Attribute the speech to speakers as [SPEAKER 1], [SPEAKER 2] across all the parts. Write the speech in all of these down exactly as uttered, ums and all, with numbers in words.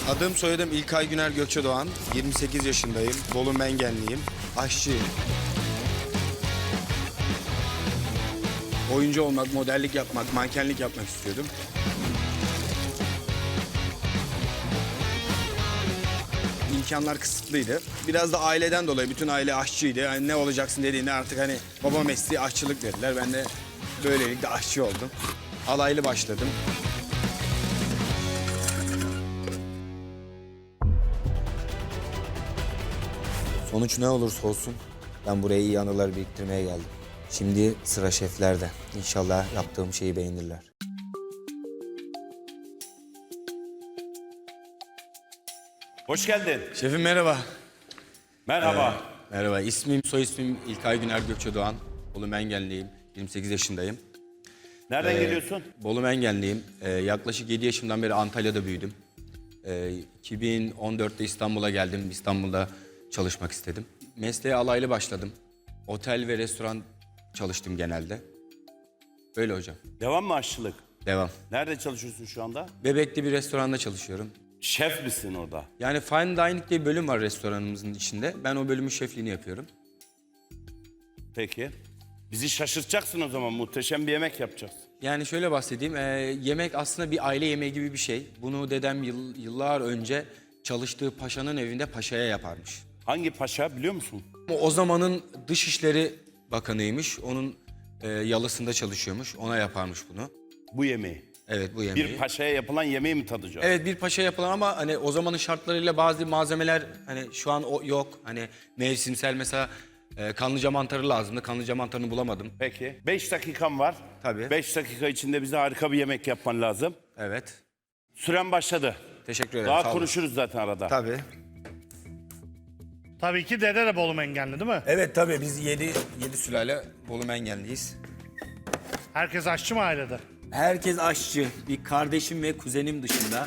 [SPEAKER 1] Adım soyadım İlkay Güner Gökçedoğan. yirmi sekiz yaşındayım. Bolu Mengenliyim. Aşçıyım. Oyuncu olmak, modellik yapmak, mankenlik yapmak istiyordum. İmkanlar kısıtlıydı. Biraz da aileden dolayı bütün aile aşçıydı. Yani ne olacaksın dediğinde artık hani baba mesleği aşçılık dediler. Ben de böylelikle aşçı oldum. Alaylı başladım. Sonuç ne olursa olsun ben buraya iyi anılar biriktirmeye geldim. Şimdi sıra şeflerde. İnşallah yaptığım şeyi beğenirler.
[SPEAKER 2] Hoş geldin.
[SPEAKER 1] Şefim merhaba.
[SPEAKER 2] Merhaba.
[SPEAKER 1] Ee, merhaba. İsmim, soy ismim İlkay Güner Gökçedoğan. Bolu Mengenliyim. yirmi sekiz yaşındayım.
[SPEAKER 2] Nereden
[SPEAKER 1] Ee,
[SPEAKER 2] geliyorsun?
[SPEAKER 1] Bolu Mengenliyim. Ee, yaklaşık yedi yaşımdan beri Antalya'da büyüdüm. Ee, iki bin on dörtte İstanbul'a geldim. İstanbul'da çalışmak istedim. Mesleğe alaylı başladım. Otel ve restoran çalıştım genelde. Öyle hocam.
[SPEAKER 2] Devam mı aşçılık?
[SPEAKER 1] Devam.
[SPEAKER 2] Nerede çalışıyorsun şu anda?
[SPEAKER 1] Bebekli bir restoranda çalışıyorum.
[SPEAKER 2] Şef misin orada?
[SPEAKER 1] Yani fine dining diye bir bölüm var restoranımızın içinde. Ben o bölümün şefliğini yapıyorum.
[SPEAKER 2] Peki. Bizi şaşırtacaksın o zaman. Muhteşem bir yemek yapacaksın.
[SPEAKER 1] Yani şöyle bahsedeyim. e, yemek aslında bir aile yemeği gibi bir şey. Bunu dedem yıl- yıllar önce çalıştığı paşanın evinde paşaya yaparmış.
[SPEAKER 2] Hangi paşa biliyor musun?
[SPEAKER 1] O, o zamanın Dışişleri Bakanıymış. Onun e, yalısında çalışıyormuş. Ona yaparmış bunu.
[SPEAKER 2] Bu yemeği.
[SPEAKER 1] Evet bu yemeği.
[SPEAKER 2] Bir paşaya yapılan yemeği mi tadacağız?
[SPEAKER 1] Evet bir paşa yapılan ama hani o zamanın şartlarıyla bazı malzemeler hani şu an o yok. Hani mevsimsel mesela e, kanlıca mantarı lazımdı. Kanlıca mantarını bulamadım.
[SPEAKER 2] Peki. Beş dakikan var.
[SPEAKER 1] Tabii.
[SPEAKER 2] Beş dakika içinde bize harika bir yemek yapman lazım.
[SPEAKER 1] Evet.
[SPEAKER 2] Süren başladı.
[SPEAKER 1] Teşekkür ederim.
[SPEAKER 2] Daha
[SPEAKER 1] sağ olun.
[SPEAKER 2] konuşuruz zaten arada.
[SPEAKER 1] Tabii.
[SPEAKER 3] Tabii ki dede de Bolu Mengenli değil mi?
[SPEAKER 1] Evet tabii biz yedi, yedi sülale Bolu Mengenliyiz.
[SPEAKER 3] Herkes aşçı mı ailede?
[SPEAKER 1] Herkes aşçı. Bir kardeşim ve kuzenim dışında.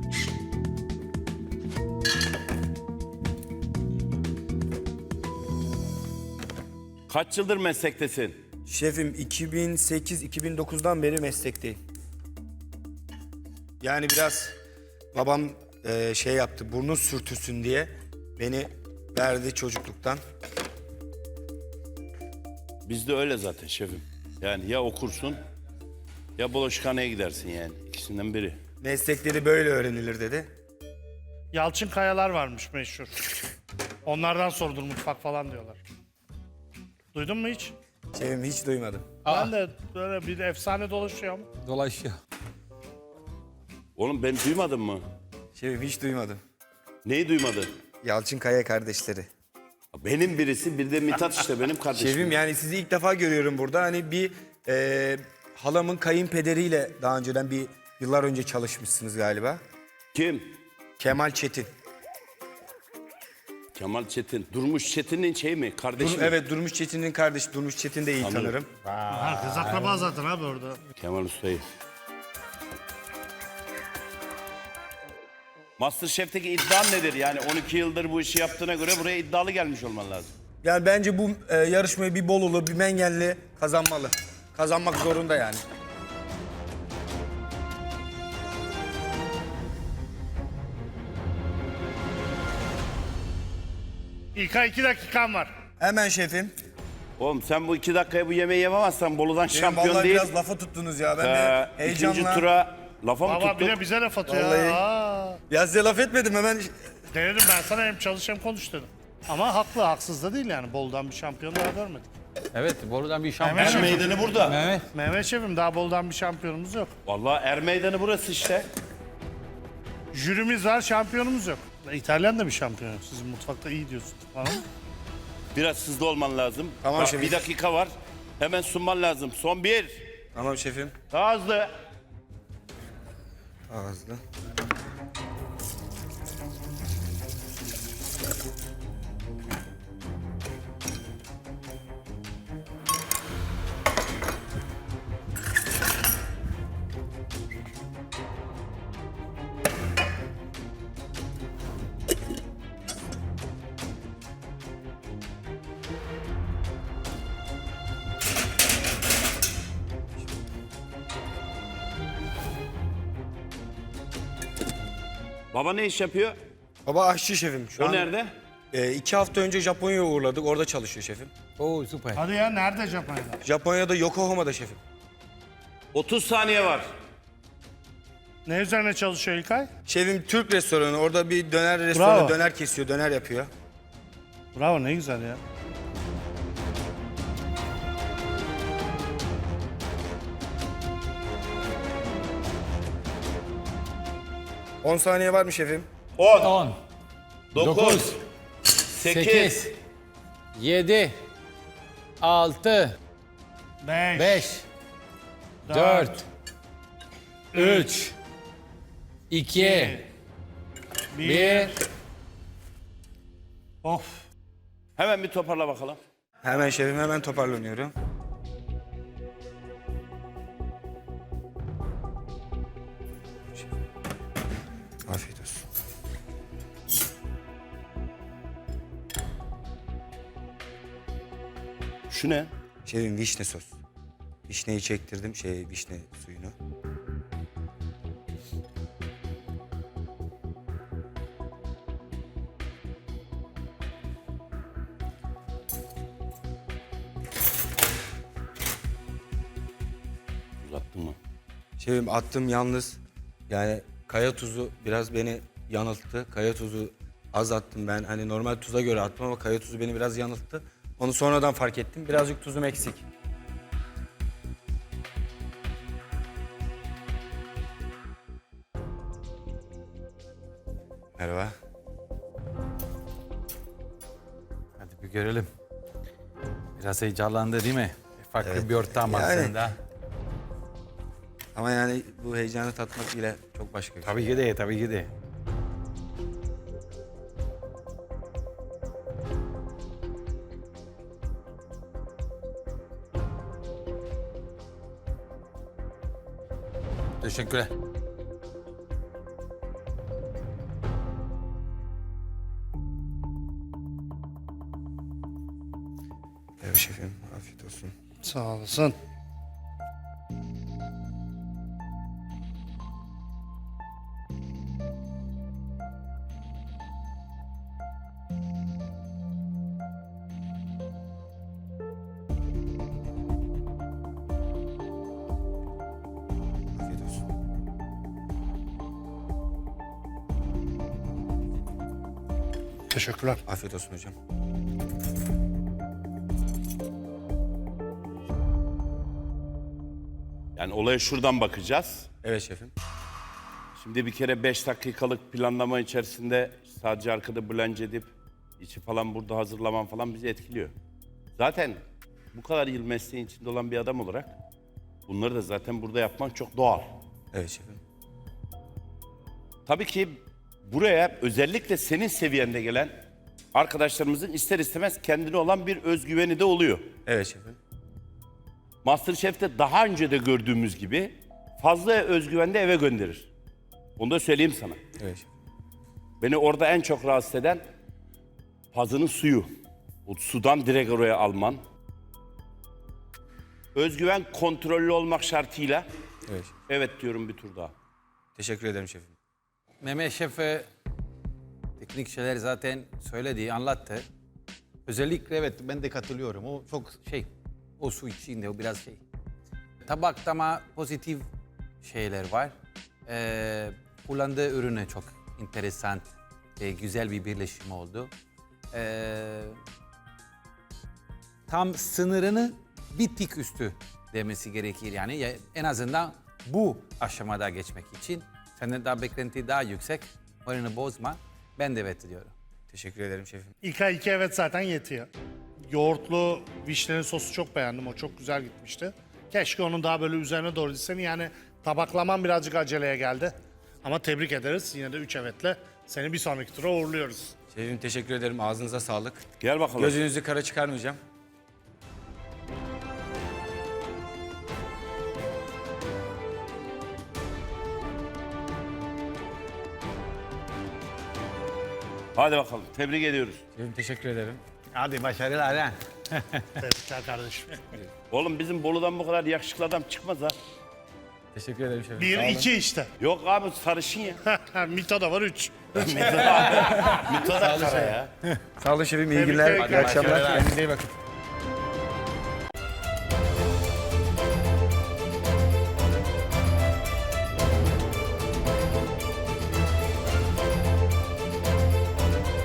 [SPEAKER 2] Kaç yıldır meslektesin?
[SPEAKER 1] Şefim iki bin sekiz iki bin dokuzdan beri meslekteyim. Yani biraz babam e, şey yaptı, burnu sürtüsün diye beni verdi çocukluktan.
[SPEAKER 2] Bizde öyle zaten şefim. Yani ya okursun ya bulaşıkhaneye gidersin yani. İkisinden biri.
[SPEAKER 1] Meslekleri böyle öğrenilir dedi.
[SPEAKER 3] Yalçın Kayalar varmış meşhur. Onlardan sordur mutfak falan diyorlar. Duydun mu hiç?
[SPEAKER 1] Şefim hiç duymadım.
[SPEAKER 3] Ben de böyle bir efsane dolaşıyor ama.
[SPEAKER 4] Dolaşıyor.
[SPEAKER 2] Oğlum ben duymadım mı?
[SPEAKER 1] Şefim hiç duymadım.
[SPEAKER 2] Neyi duymadın?
[SPEAKER 1] Yalçın Kaya kardeşleri.
[SPEAKER 2] Benim birisi, bir de Mithat işte benim kardeşim.
[SPEAKER 1] Şefim yani sizi ilk defa görüyorum burada. Hani bir e, halamın kayınpederiyle daha önceden bir yıllar önce çalışmışsınız galiba.
[SPEAKER 2] Kim?
[SPEAKER 1] Kemal Çetin.
[SPEAKER 2] Kemal Çetin. Durmuş Çetin'in şey mi? Kardeşi
[SPEAKER 1] Dur,
[SPEAKER 2] mi?
[SPEAKER 1] evet Durmuş Çetin'in kardeşi. Durmuş Çetin de iyi
[SPEAKER 2] Tanırım.
[SPEAKER 1] tanırım.
[SPEAKER 3] Herkes akraba zaten abi orada.
[SPEAKER 2] Kemal Usta'yı. Masterchef'teki iddian nedir? Yani on iki yıldır bu işi yaptığına göre buraya iddialı gelmiş olman lazım.
[SPEAKER 1] Yani bence bu e, yarışmayı bir Bolulu, bir Mengenli kazanmalı. Kazanmak zorunda yani.
[SPEAKER 3] İlkay iki dakikan var.
[SPEAKER 1] Hemen şefim.
[SPEAKER 2] Oğlum sen bu iki dakikaya bu yemeği yememezsen Bolu'dan
[SPEAKER 1] Benim
[SPEAKER 2] şampiyon
[SPEAKER 1] vallahi
[SPEAKER 2] değil.
[SPEAKER 1] biraz lafa tuttunuz ya. Ben
[SPEAKER 2] Ee,
[SPEAKER 1] de
[SPEAKER 2] ikinci
[SPEAKER 1] heyecanla.
[SPEAKER 2] tura lafa mı
[SPEAKER 3] Baba bir
[SPEAKER 2] tuttun?
[SPEAKER 3] de bize laf atıyor.
[SPEAKER 1] Vallahi.
[SPEAKER 3] Aa.
[SPEAKER 1] Ya size laf etmedim hemen.
[SPEAKER 3] Denedim ben sana hem çalış hem konuş dedim. Ama haklı haksız da değil yani. Bolu'dan bir şampiyon daha görmedik.
[SPEAKER 4] Evet, Boru'dan bir şampiyon.
[SPEAKER 3] Mehmet
[SPEAKER 2] Er
[SPEAKER 3] Şefim,
[SPEAKER 2] meydanı burada.
[SPEAKER 4] Mehmet.
[SPEAKER 3] Mehmet Şefim daha Bolu'dan bir şampiyonumuz yok.
[SPEAKER 2] Vallahi er meydanı burası işte.
[SPEAKER 3] Jürimiz var şampiyonumuz yok. İtalyan da bir şampiyon. Sizin mutfakta iyi diyorsunuz. Anladın mı?
[SPEAKER 2] Biraz hızlı olman lazım.
[SPEAKER 1] Tamam
[SPEAKER 2] Bak,
[SPEAKER 1] şefim.
[SPEAKER 2] bir dakika var. Hemen sunman lazım. Son bir.
[SPEAKER 1] Tamam şefim.
[SPEAKER 2] Daha hızlı.
[SPEAKER 1] Ağızlı.
[SPEAKER 2] Baba ne iş yapıyor?
[SPEAKER 1] Baba aşçı şefim. Şu
[SPEAKER 2] O
[SPEAKER 1] an
[SPEAKER 2] nerede?
[SPEAKER 1] e, iki hafta önce Japonya'ya uğurladık. Orada çalışıyor şefim.
[SPEAKER 4] Oo süper.
[SPEAKER 3] Hadi ya nerede Japonya'da?
[SPEAKER 1] Japonya'da Yokohama'da şefim.
[SPEAKER 2] otuz saniye var.
[SPEAKER 3] Ne üzerine çalışıyor İlkay?
[SPEAKER 1] Şefim Türk restoranı. Orada bir döner restoranı
[SPEAKER 3] Bravo.
[SPEAKER 1] döner kesiyor, döner yapıyor.
[SPEAKER 3] Bravo ne güzel ya.
[SPEAKER 1] on saniye var mı şefim?
[SPEAKER 2] on,
[SPEAKER 4] on,
[SPEAKER 2] dokuz, sekiz,
[SPEAKER 4] sekiz, yedi, altı,
[SPEAKER 3] Beş.
[SPEAKER 4] beş, dört, üç, iki,
[SPEAKER 3] Bir.
[SPEAKER 4] bir.
[SPEAKER 3] Of.
[SPEAKER 2] Hemen bir toparla bakalım.
[SPEAKER 1] Hemen şefim, hemen toparlanıyorum. Afiyet olsun.
[SPEAKER 2] Şu ne?
[SPEAKER 1] Şefim vişne sos. Vişneyi çektirdim, şey vişne suyunu.
[SPEAKER 2] Uzattın mı?
[SPEAKER 1] Şefim attım yalnız. Yani kaya tuzu biraz beni yanılttı. Kaya tuzu az attım ben. Hani normal tuza göre attım ama kaya tuzu beni biraz yanılttı. Onu sonradan fark ettim. Birazcık tuzum eksik. Merhaba.
[SPEAKER 4] Hadi bir görelim. Biraz heyecanlandı değil mi? Farklı
[SPEAKER 1] Evet.
[SPEAKER 4] bir ortam
[SPEAKER 1] Yani-
[SPEAKER 4] aslında.
[SPEAKER 1] Ama yani bu heyecanı tatmak bile çok başka bir şey.
[SPEAKER 4] Tabii ki de, tabii ki de. Teşekkürler.
[SPEAKER 1] Evet şefim, afiyet olsun.
[SPEAKER 3] Sağ olasın.
[SPEAKER 1] Afiyet olsun.
[SPEAKER 3] Teşekkürler.
[SPEAKER 1] Afiyet olsun hocam.
[SPEAKER 2] Yani olaya şuradan bakacağız.
[SPEAKER 1] Evet şefim.
[SPEAKER 2] Şimdi bir kere beş dakikalık planlama içerisinde sadece arkada blend edip içi falan burada hazırlaman falan bizi etkiliyor. Zaten bu kadar yıl mesleğin içinde olan bir adam olarak bunları da zaten burada yapman çok doğal.
[SPEAKER 1] Evet şefim.
[SPEAKER 2] Tabii ki buraya özellikle senin seviyende gelen arkadaşlarımızın ister istemez kendine olan bir özgüveni de oluyor.
[SPEAKER 1] Evet şefim.
[SPEAKER 2] MasterChef'te daha önce de gördüğümüz gibi fazla özgüvende eve gönderir. Onu da söyleyeyim sana.
[SPEAKER 1] Evet şefim.
[SPEAKER 2] Beni orada en çok rahatsız eden pazının suyu. O sudan direkt oraya alman. Özgüven kontrollü olmak şartıyla
[SPEAKER 1] Evet şefim.
[SPEAKER 2] evet diyorum bir tur daha.
[SPEAKER 1] Teşekkür ederim şefim.
[SPEAKER 4] Mehmet Şef e, teknik şeyler zaten söyledi, anlattı. Özellikle evet ben de katılıyorum. O çok şey, o su içinde o biraz şey. Tabakta ama pozitif şeyler var. Ee, kullandığı ürüne çok enteresan, e, güzel bir birleşim oldu. Ee, tam sınırını bir tık üstü demesi gerekir yani. Ya- En azından bu aşamada geçmek için. Senden daha beklenti daha yüksek. Moralini bozma. Ben de evet diyorum.
[SPEAKER 1] Teşekkür ederim şefim.
[SPEAKER 3] İlkay iki evet zaten yetiyor. Yoğurtlu vişnenin sosu çok beğendim. O çok güzel gitmişti. Keşke onun daha böyle üzerine doğru gitsen. Yani tabaklaman birazcık aceleye geldi. Ama tebrik ederiz. Yine de üç evetle seni bir sonraki tura uğurluyoruz.
[SPEAKER 1] Şefim teşekkür ederim. Ağzınıza sağlık.
[SPEAKER 2] Gel bakalım.
[SPEAKER 1] Gözünüzü kara çıkarmayacağım.
[SPEAKER 2] Hadi bakalım. Tebrik ediyoruz.
[SPEAKER 1] Şefim teşekkür ederim.
[SPEAKER 4] Hadi başarılar ha.
[SPEAKER 3] Tebrikler kardeşim.
[SPEAKER 2] Oğlum bizim Bolu'dan bu kadar yakışıklı adam çıkmaz ha.
[SPEAKER 5] Teşekkür ederim şefim.
[SPEAKER 3] Bir,
[SPEAKER 5] Sağ olun.
[SPEAKER 3] iki işte.
[SPEAKER 2] Yok abi sarışın ya.
[SPEAKER 3] Mito da var üç.
[SPEAKER 2] Mito da kara ya.
[SPEAKER 5] Sağ olun şefim. İyi
[SPEAKER 3] Tebrikler,
[SPEAKER 5] günler.
[SPEAKER 3] iyi
[SPEAKER 5] İyi akşamlar.
[SPEAKER 3] akşamlar.
[SPEAKER 5] Kendinize iyi bakın.